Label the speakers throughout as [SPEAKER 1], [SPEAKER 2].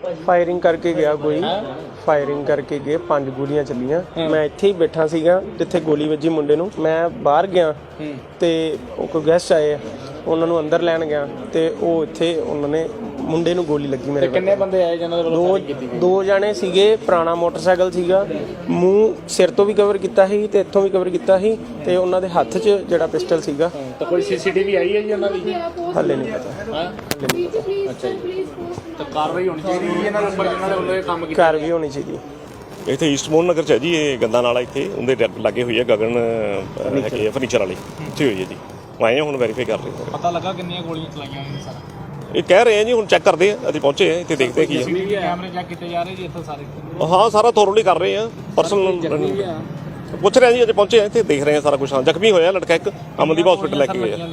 [SPEAKER 1] Firing करके गया कोई फायरिंग करके गए 5 गोलियां चलियां मैं ਇੱਥੇ ਹੀ ਬੈਠਾ ਸੀਗਾ ਜਿੱਥੇ ਗੋਲੀ ਵੱਜੀ ਮੁੰਡੇ ਨੂੰ ਮੈਂ ਬਾਹਰ ਗਿਆ ਤੇ ਉਹ ਕੋਈ ਗੈਸਟ ਆਏ ਉਹਨਾਂ ਨੂੰ ਅੰਦਰ ਲੈਣ ਗਿਆ ਤੇ ਉਹ ਇੱਥੇ ਉਹਨਾਂ ਨੇ ਮੁੰਡੇ ਨੂੰ ਗੋਲੀ ਲੱਗੀ ਮੇਰੇ
[SPEAKER 2] ਕਿੰਨੇ ਬੰਦੇ ਆਏ ਜਿਹਨਾਂ ਦੇ ਵੱਲੋਂ ਫਾਇਰਿੰਗ ਕੀਤੀ ਗਈ?
[SPEAKER 1] ਦੋ ਜਾਣੇ ਸੀਗੇ ਪੁਰਾਣਾ ਮੋਟਰਸਾਈਕਲ ਸੀਗਾ ਮੂੰਹ ਸਿਰ ਤੋਂ ਵੀ ਕਵਰ ਕੀਤਾ ਸੀ ਤੇ ਇੱਥੋਂ ਵੀ ਕਵਰ ਕੀਤਾ ਸੀ ਤੇ ਉਹਨਾਂ ਦੇ ਹੱਥ 'ਚ ਜਿਹੜਾ ਪਿਸਟਲ ਸੀਗਾ
[SPEAKER 2] ਤਾਂ ਕੋਈ ਸੀਸੀਟੀਵੀ ਆਈ ਹੈ ਜੀ ਉਹਨਾਂ ਦੀ?
[SPEAKER 1] ਹੱਲੇ ਨਹੀਂ ਪਤਾ
[SPEAKER 2] ਅੱਛਾ ਜੀ, ਤਾਂ ਕਾਰਵਾਈ ਹੋਣੀ ਚਾਹੀਦੀ ਹੈ ਇਹਨਾਂ ਦੇ ਉੱਪਰ ਜਿਹਨਾਂ ਦੇ ਵੱਲੋਂ ਇਹ ਕੰਮ ਕੀਤਾ।
[SPEAKER 1] ਘਰ ਵੀ ਹੋਣੀ ਚਾਹੀਦੀ
[SPEAKER 3] ਇੱਥੇ ਈਸਟ ਮੋਹਨ ਨਗਰ 'ਚ ਹੈ ਜੀ ਇਹ ਗੰਦਾ ਨਾਲਾ ਇੱਥੇ ਉਹਦੇ ਲਾਗੇ ਹੋਈ ਹੈ ਗਗਨ ਹੈਗੀ ਹੈ ਫਰਨੀਚਰ ਵਾਲੀ ਇੱਥੇ ਹੋਈ ਹੈ ਜੀ ਆਏ ਹਾਂ ਹੁਣ ਵੈਰੀਫਾਈ ਕਰ ਰਹੇ ਹਾਂ।
[SPEAKER 2] ਪਤਾ ਲੱਗਾ ਕਿੰਨੀਆਂ ਗੋਲੀਆਂ ਚਲਾਈਆਂ ਨੇ ਸਰ?
[SPEAKER 3] ਇਹ ਕਹਿ ਰਹੇ ਆ ਜੀ ਹੁਣ ਚੈੱਕ ਕਰਦੇ ਆ ਅਸੀਂ ਪਹੁੰਚੇ ਆ ਇੱਥੇ ਦੇਖਦੇ ਕੀ ਹੈ।
[SPEAKER 2] ਕੈਮਰੇ ਚੈੱਕ ਕੀਤੇ ਜਾ ਰਹੇ ਜੀ ਇੱਥੇ ਸਾਰੇ?
[SPEAKER 3] ਹਾਂ ਸਾਰਾ ਥੋਰਲੀ ਕਰ ਰਹੇ ਆ ਪਰਸਨਲ ਪੁੱਛ ਰਹੇ ਆ ਜੀ ਅਜੇ ਪਹੁੰਚੇ ਆ ਇੱਥੇ ਦੇਖ ਰਹੇ ਆ ਸਾਰਾ ਕੁਝ। ਹਾਂ ਜ਼ਖਮੀ ਹੋਇਆ ਲੜਕਾ ਇੱਕ ਅਮਨਦੀਪ ਹਸਪੀਟਲ ਲੈ ਕੇ ਗਏ ਆ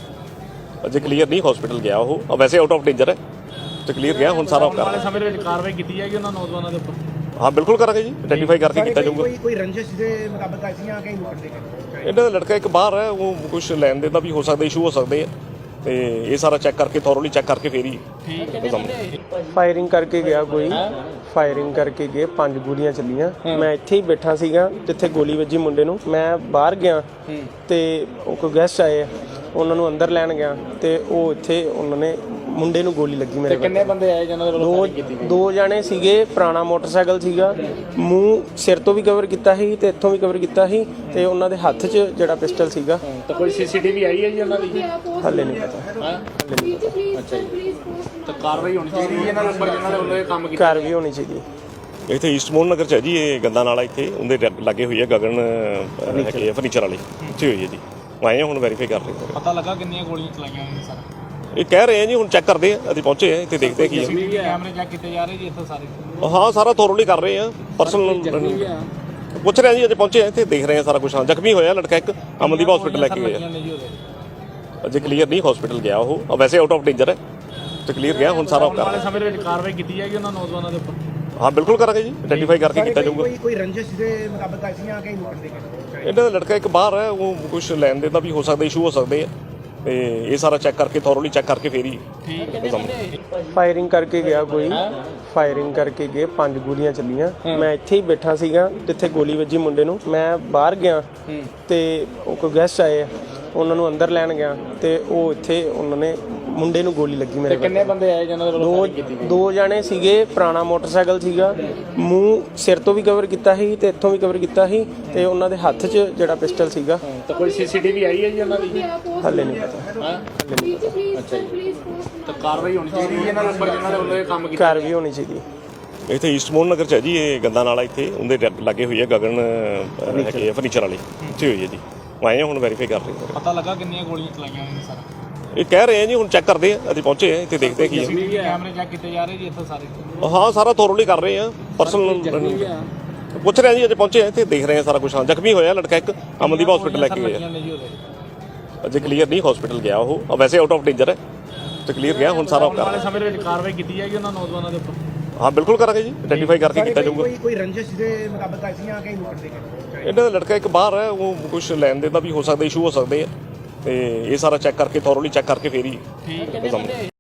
[SPEAKER 3] ਅਜੇ ਕਲੀਅਰ ਨਹੀਂ ਹਸਪੀਟਲ ਗਿਆ ਉਹ ਵੈਸੇ ਆਊਟ ਆਫ ਡੇਂਜਰ ਹੈ ਤੇ ਕਲੀਅਰ ਗਿਆ ਹੁਣ ਸਾਰਾ ਕਰ
[SPEAKER 2] ਵਾਲੇ ਸਮੇਂ ਦੇ ਵਿੱਚ ਕਾਰਵਾਈ ਕੀਤੀ ਜਾਏਗੀ ਉਹਨਾਂ ਨੌਜਵਾਨਾਂ ਦੇ ਉੱਪਰ?
[SPEAKER 3] ਹਾਂ ਬਿਲਕੁਲ ਕਰਾਂਗੇ ਜੀ ਆਈਡੈਂਟੀਫਾਈ ਕਰਕੇ ਕੀਤਾ ਜਾਊਗਾ।
[SPEAKER 4] ਕੋਈ ਰੰਜਿਸ਼ ਦੇ ਮੁਤਾਬਕ ਆਈਆਂ ਕਿ
[SPEAKER 3] ਇਹਨਾਂ ਦਾ ਲੜਕਾ ਇੱਕ ਬਾਹਰ ਹੈ ਉਹ ਕੁਝ ਲੈਣ ਦੇਣ ਦਾ ਵੀ ਹੋ ਸਕਦਾ ਇਸ਼ੂ ਹੋ ਸਕਦੇ ਆ ਤੇ ਇਹ ਸਾਰਾ ਚੈੱਕ ਕਰਕੇ ਥੋਰਲੀ ਚੈੱਕ ਕਰਕੇ ਫੇਰ ਹੀ
[SPEAKER 1] ਫਾਇਰਿੰਗ ਕਰਕੇ ਗਿਆ ਕੋਈ ਫਾਇਰਿੰਗ ਕਰਕੇ ਗਏ 5 ਗੋਲੀਆਂ ਚੱਲੀਆਂ ਮੈਂ ਇੱਥੇ ਹੀ ਬੈਠਾ ਸੀਗਾ ਜਿੱਥੇ ਗੋਲੀ ਵੱਜੀ ਮੁੰਡੇ ਨੂੰ ਮੈਂ ਬਾਹਰ ਗਿਆ ਤੇ ਉਹ ਕੋਈ ਗੈਸਟ ਆਏ ਉਹਨਾਂ ਨੂੰ ਅੰਦਰ ਲੈਣ ਗਿਆ ਤੇ ਉਹ ਇੱਥੇ ਉਹਨਾਂ ਨੇ ਮੁੰਡੇ ਨੂੰ ਗੋਲੀ ਲੱਗੀ ਮੇਰੇ
[SPEAKER 2] ਕਿੰਨੇ ਬੰਦੇ ਆਏ ਜਿਹਨਾਂ ਦੇ ਵੱਲੋਂ ਫਾਇਰਿੰਗ ਕੀਤੀ ਗਈ?
[SPEAKER 1] ਦੋ ਜਾਣੇ ਸੀਗੇ ਪੁਰਾਣਾ ਮੋਟਰਸਾਈਕਲ ਸੀਗਾ ਮੂੰਹ ਸਿਰ ਤੋਂ ਵੀ ਕਵਰ ਕੀਤਾ ਸੀ ਤੇ ਇੱਥੋਂ ਵੀ ਕਵਰ ਕੀਤਾ ਸੀ ਤੇ ਉਹਨਾਂ ਦੇ ਹੱਥ 'ਚ ਜਿਹੜਾ ਪਿਸਟਲ ਸੀਗਾ
[SPEAKER 2] ਤਾਂ ਕੋਈ ਸੀਸੀਟੀਵੀ ਆਈ ਹੈ ਜੀ ਉਹਨਾਂ ਦੀ?
[SPEAKER 1] ਹੱਲੇ ਨਹੀਂ ਪਤਾ
[SPEAKER 2] ਅੱਛਾ ਜੀ, ਤਾਂ ਕਾਰਵਾਈ ਹੋਣੀ ਚਾਹੀਦੀ ਹੈ ਇਹਨਾਂ ਦੇ ਉੱਪਰ ਜਿਹਨਾਂ ਦੇ ਵੱਲੋਂ ਇਹ ਕੰਮ ਕੀਤਾ।
[SPEAKER 1] ਘਰ ਵੀ ਹੋਣੀ ਚਾਹੀਦੀ
[SPEAKER 3] ਇੱਥੇ ਈਸਟ ਮੋਹਨ ਨਗਰ 'ਚ ਹੈ ਜੀ ਇਹ ਗੰਦਾ ਨਾਲਾ ਇੱਥੇ ਉਹਦੇ ਲਾਗੇ ਹੋਈ ਹੈ ਗਗਨ ਹੈਗੀ ਹੈ ਫਰਨੀਚਰ ਵਾਲੀ ਇੱਥੇ ਹੋਈ ਹੈ ਜੀ ਆਏ ਹਾਂ ਹੁਣ ਵੈਰੀਫਾਈ ਕਰ ਰਹੇ ਹਾਂ।
[SPEAKER 2] ਪਤਾ ਲੱਗਾ ਕਿੰਨੀਆਂ ਗੋਲੀਆਂ ਚਲਾਈਆਂ ਨੇ ਸਰ?
[SPEAKER 3] ਇਹ ਕਹਿ ਰਹੇ ਆ ਜੀ ਹੁਣ ਚੈੱਕ ਕਰਦੇ ਆ ਅਸੀਂ ਪਹੁੰਚੇ ਆ ਇੱਥੇ ਦੇਖਦੇ ਕੀ ਹੈ।
[SPEAKER 2] ਕੈਮਰੇ ਚੈੱਕ ਕੀਤੇ ਜਾ ਰਹੇ ਜੀ ਇੱਥੇ ਸਾਰੇ?
[SPEAKER 3] ਹਾਂ ਸਾਰਾ ਥੋਰਲੀ ਕਰ ਰਹੇ ਆ ਪਰਸਨਲ ਪੁੱਛ ਰਹੇ ਆ ਜੀ ਅਜੇ ਪਹੁੰਚੇ ਆ ਇੱਥੇ ਦੇਖ ਰਹੇ ਆ ਸਾਰਾ ਕੁਝ। ਹਾਂ ਜ਼ਖਮੀ ਹੋਇਆ ਲੜਕਾ ਇੱਕ ਅਮਨਦੀਪ ਹਸਪੀਟਲ ਲੈ ਕੇ ਗਏ ਆ ਅਜੇ ਕਲੀਅਰ ਨਹੀਂ ਹਸਪੀਟਲ ਗਿਆ ਉਹ ਵੈਸੇ ਆਊਟ ਆਫ ਡੇਂਜਰ ਹੈ ਤੇ ਕਲੀਅਰ ਗਿਆ ਹੁਣ ਸਾਰਾ ਕਰ
[SPEAKER 2] ਵਾਲੇ ਸਮੇਂ ਦੇ ਵਿੱਚ ਕਾਰਵਾਈ ਕੀਤੀ ਜਾਏਗੀ ਉਹਨਾਂ ਨੌਜਵਾਨਾਂ ਦੇ ਉੱਪਰ?
[SPEAKER 3] ਹਾਂ ਬਿਲਕੁਲ ਕਰਾਂਗੇ ਜੀ ਆਈਡੈਂਟੀਫਾਈ ਕਰਕੇ ਕੀਤਾ ਜਾਊਗਾ।
[SPEAKER 4] ਕੋਈ ਰੰਜਿਸ਼ ਦੇ ਮੁਤਾਬਕ ਆਈਆਂ ਕਿ
[SPEAKER 3] ਇਹਨਾਂ ਦਾ ਲੜਕਾ ਇੱਕ ਬਾਹਰ ਹੈ ਉਹ ਕੁਝ ਲੈਣ ਦੇਣ ਦਾ ਵੀ ਹੋ ਸਕਦਾ ਇਸ਼ੂ ਹੋ ਸਕਦੇ ਆ ਤੇ ਇਹ ਸਾਰਾ ਚੈੱਕ ਕਰਕੇ ਥੋਰਲੀ ਚੈੱਕ ਕਰਕੇ ਫੇਰ ਹੀ
[SPEAKER 1] ਫਾਇਰਿੰਗ ਕਰਕੇ ਗਿਆ ਕੋਈ ਫਾਇਰਿੰਗ ਕਰਕੇ ਗਏ 5 ਗੋਲੀਆਂ ਚੱਲੀਆਂ ਮੈਂ ਇੱਥੇ ਹੀ ਬੈਠਾ ਸੀਗਾ ਜਿੱਥੇ ਗੋਲੀ ਵੱਜੀ ਮੁੰਡੇ ਨੂੰ ਮੈਂ ਬਾਹਰ ਗਿਆ ਤੇ ਉਹ ਕੋਈ ਗੈਸਟ ਆਏ ਉਹਨਾਂ ਨੂੰ ਅੰਦਰ ਲੈਣ ਗਿਆ ਤੇ ਉਹ ਇੱਥੇ ਉਹਨਾਂ ਨੇ ਮੁੰਡੇ ਨੂੰ ਗੋਲੀ ਲੱਗੀ ਮੇਰੇ
[SPEAKER 2] ਕਿੰਨੇ ਬੰਦੇ ਆਏ ਜਿਹਨਾਂ ਦੇ ਵੱਲੋਂ ਫਾਇਰਿੰਗ ਕੀਤੀ ਗਈ?
[SPEAKER 1] ਦੋ ਜਾਣੇ ਸੀਗੇ ਪੁਰਾਣਾ ਮੋਟਰਸਾਈਕਲ ਸੀਗਾ ਮੂੰਹ ਸਿਰ ਤੋਂ ਵੀ ਕਵਰ ਕੀਤਾ ਸੀ ਤੇ ਇੱਥੋਂ ਵੀ ਕਵਰ ਕੀਤਾ ਸੀ ਤੇ ਉਹਨਾਂ ਦੇ ਹੱਥ 'ਚ ਜਿਹੜਾ ਪਿਸਟਲ ਸੀਗਾ
[SPEAKER 2] ਤਾਂ ਕੋਈ ਸੀਸੀਟੀਵੀ ਆਈ ਹੈ ਜੀ ਉਹਨਾਂ ਦੀ?
[SPEAKER 1] ਹੱਲੇ ਨਹੀਂ ਪਤਾ
[SPEAKER 2] ਅੱਛਾ ਜੀ, ਤਾਂ ਕਾਰਵਾਈ ਹੋਣੀ ਚਾਹੀਦੀ ਹੈ ਇਹਨਾਂ ਦੇ ਉੱਪਰ ਜਿਹਨਾਂ ਦੇ ਵੱਲੋਂ ਇਹ ਕੰਮ ਕੀਤਾ।
[SPEAKER 1] ਘਰ ਵੀ ਹੋਣੀ ਚਾਹੀਦੀ
[SPEAKER 3] ਇੱਥੇ ਈਸਟ ਮੋਹਨ ਨਗਰ 'ਚ ਹੈ ਜੀ ਇਹ ਗੰਦਾ ਨਾਲਾ ਇੱਥੇ ਉਹਦੇ ਲਾਗੇ ਹੋਈ ਹੈ ਗਗਨ ਹੈਗੀ ਹੈ ਫਰਨੀਚਰ ਵਾਲੀ ਇੱਥੇ ਹੋਈ ਹੈ ਜੀ ਆਏ ਹਾਂ ਹੁਣ ਵੈਰੀਫਾਈ ਕਰ ਰਹੇ ਹਾਂ।
[SPEAKER 2] ਪਤਾ ਲੱਗਾ ਕਿੰਨੀਆਂ ਗੋਲੀਆਂ ਚਲਾਈਆਂ ਨੇ ਸਰ?
[SPEAKER 3] ਇਹ ਕਹਿ ਰਹੇ ਆ ਜੀ ਹੁਣ ਚੈੱਕ ਕਰਦੇ ਆ ਅਸੀਂ ਪਹੁੰਚੇ ਆ ਇੱਥੇ ਦੇਖਦੇ ਕੀ ਹੈ।
[SPEAKER 2] ਕੈਮਰੇ ਚੈੱਕ ਕੀਤੇ ਜਾ ਰਹੇ ਜੀ ਇੱਥੇ ਸਾਰੇ?
[SPEAKER 3] ਹਾਂ ਸਾਰਾ ਥੋਰਲੀ ਕਰ ਰਹੇ ਆ ਪਰਸਨਲ ਪੁੱਛ ਰਹੇ ਆ ਜੀ ਅਜੇ ਪਹੁੰਚੇ ਆ ਇੱਥੇ ਦੇਖ ਰਹੇ ਆ ਸਾਰਾ ਕੁਝ। ਹਾਂ ਜ਼ਖਮੀ ਹੋਇਆ ਲੜਕਾ ਇੱਕ ਅਮਨਦੀਪ ਹਸਪੀਟਲ ਲੈ ਕੇ ਗਏ ਆ ਅਜੇ ਕਲੀਅਰ ਨਹੀਂ ਹਸਪੀਟਲ ਗਿਆ ਉਹ ਵੈਸੇ ਆਊਟ ਆਫ ਡੇਂਜਰ ਹੈ ਤੇ ਕਲੀਅਰ ਗਿਆ ਹੁਣ ਸਾਰਾ ਕਰ
[SPEAKER 2] ਵਾਲੇ ਸਮੇਂ ਦੇ ਵਿੱਚ ਕਾਰਵਾਈ ਕੀਤੀ ਜਾਏਗੀ ਉਹਨਾਂ ਨੌਜਵਾਨਾਂ ਦੇ ਉੱਪਰ?
[SPEAKER 3] ਹਾਂ ਬਿਲਕੁਲ ਕਰਾਂਗੇ ਜੀ ਆਈਡੈਂਟੀਫਾਈ ਕਰਕੇ ਕੀਤਾ ਜਾਊਗਾ।
[SPEAKER 4] ਕੋਈ ਰੰਜਿਸ਼ ਦੇ ਮੁਤਾਬਕ ਆਈਆਂ ਕਿ
[SPEAKER 3] ਇਹਨਾਂ ਦਾ ਲੜਕਾ ਇੱਕ ਬਾਹਰ ਹੈ ਉਹ ਕੁਝ ਲੈਣ ਦੇਣ ਦਾ ਵੀ ਹੋ ਸਕਦਾ ਇਸ਼ੂ ਹੋ ਸਕਦੇ ਆ ਤੇ ਇਹ ਸਾਰਾ ਚੈੱਕ ਕਰਕੇ ਥੋਰਲੀ ਚੈੱਕ ਕਰਕੇ ਫੇਰ ਹੀ